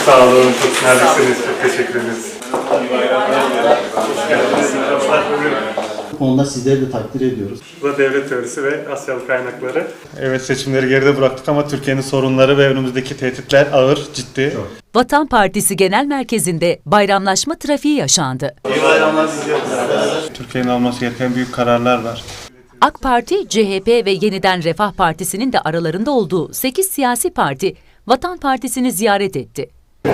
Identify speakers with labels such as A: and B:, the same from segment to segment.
A: sağ olun, çok naziksiniz, çok teşekkür ederiz. Hoş geldiniz.
B: Onda sizleri de takdir ediyoruz.
A: Bu da devlet teorisi ve Asyalı kaynakları. Evet, seçimleri geride bıraktık ama Türkiye'nin sorunları ve önümüzdeki tehditler ağır, ciddi.
C: Vatan Partisi Genel Merkezi'nde bayramlaşma trafiği yaşandı.
A: İyi bayramlar diliyoruz. Türkiye'nin alması gereken büyük kararlar var.
C: AK Parti, CHP ve Yeniden Refah Partisi'nin de aralarında olduğu 8 siyasi parti Vatan Partisi'ni ziyaret etti.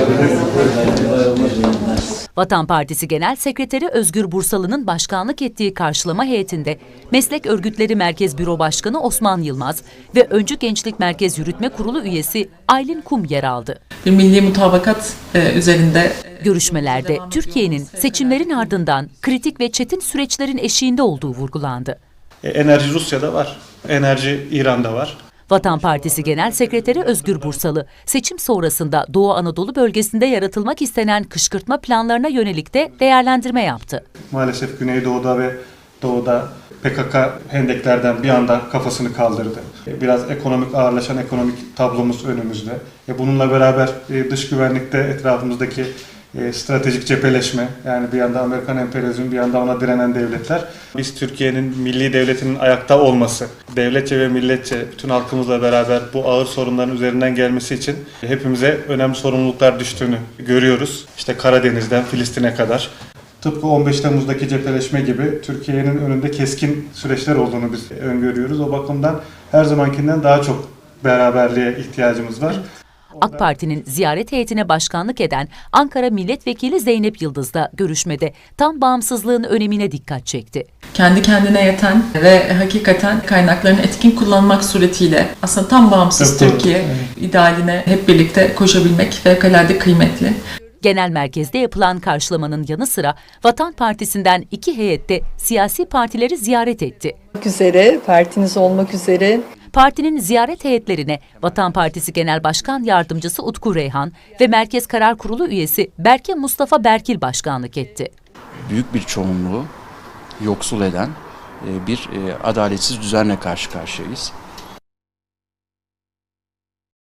C: Vatan Partisi Genel Sekreteri Özgür Bursalı'nın başkanlık ettiği karşılama heyetinde Meslek Örgütleri Merkez Büro Başkanı Osman Yılmaz ve Öncü Gençlik Merkez Yürütme Kurulu üyesi Aylin Kum yer aldı.
D: Bir milli mutabakat üzerinde
C: Görüşmelerde Türkiye'nin seçimlerin ardından kritik ve çetin süreçlerin eşiğinde olduğu vurgulandı.
A: Enerji Rusya'da var, enerji İran'da var.
C: Vatan Partisi Genel Sekreteri Özgür Bursalı, seçim sonrasında Doğu Anadolu bölgesinde yaratılmak istenen kışkırtma planlarına yönelik de değerlendirme yaptı.
A: Maalesef Güneydoğu'da ve Doğu'da PKK hendeklerden bir anda kafasını kaldırdı. Biraz ağırlaşan ekonomik tablomuz önümüzde. Bununla beraber dış güvenlikte etrafımızdaki stratejik cepheleşme, yani bir yanda Amerikan emperyalizmi, bir yanda ona direnen devletler. Biz Türkiye'nin milli devletinin ayakta olması, devletçe ve milletçe bütün halkımızla beraber bu ağır sorunların üzerinden gelmesi için hepimize önemli sorumluluklar düştüğünü görüyoruz. İşte Karadeniz'den Filistin'e kadar. Tıpkı 15 Temmuz'daki cepheleşme gibi Türkiye'nin önünde keskin süreçler olduğunu biz öngörüyoruz. O bakımdan her zamankinden daha çok beraberliğe ihtiyacımız var.
C: AK Parti'nin ziyaret heyetine başkanlık eden Ankara Milletvekili Zeynep Yıldız da görüşmede tam bağımsızlığın önemine dikkat çekti.
D: kendi kendine yeten ve hakikaten kaynaklarını etkin kullanmak suretiyle aslında tam bağımsız Türkiye idealine hep birlikte koşabilmek fevkalade kıymetli.
C: Genel merkezde yapılan karşılamanın yanı sıra Vatan Partisi'nden 2 heyette siyasi partileri ziyaret etti.
E: Partiniz olmak üzere.
C: Partinin ziyaret heyetlerine Vatan Partisi Genel Başkan Yardımcısı Utku Reyhan ve Merkez Karar Kurulu üyesi Berke Mustafa Berkil başkanlık etti.
F: Büyük bir çoğunluğu yoksul eden bir adaletsiz düzenle karşı karşıyayız.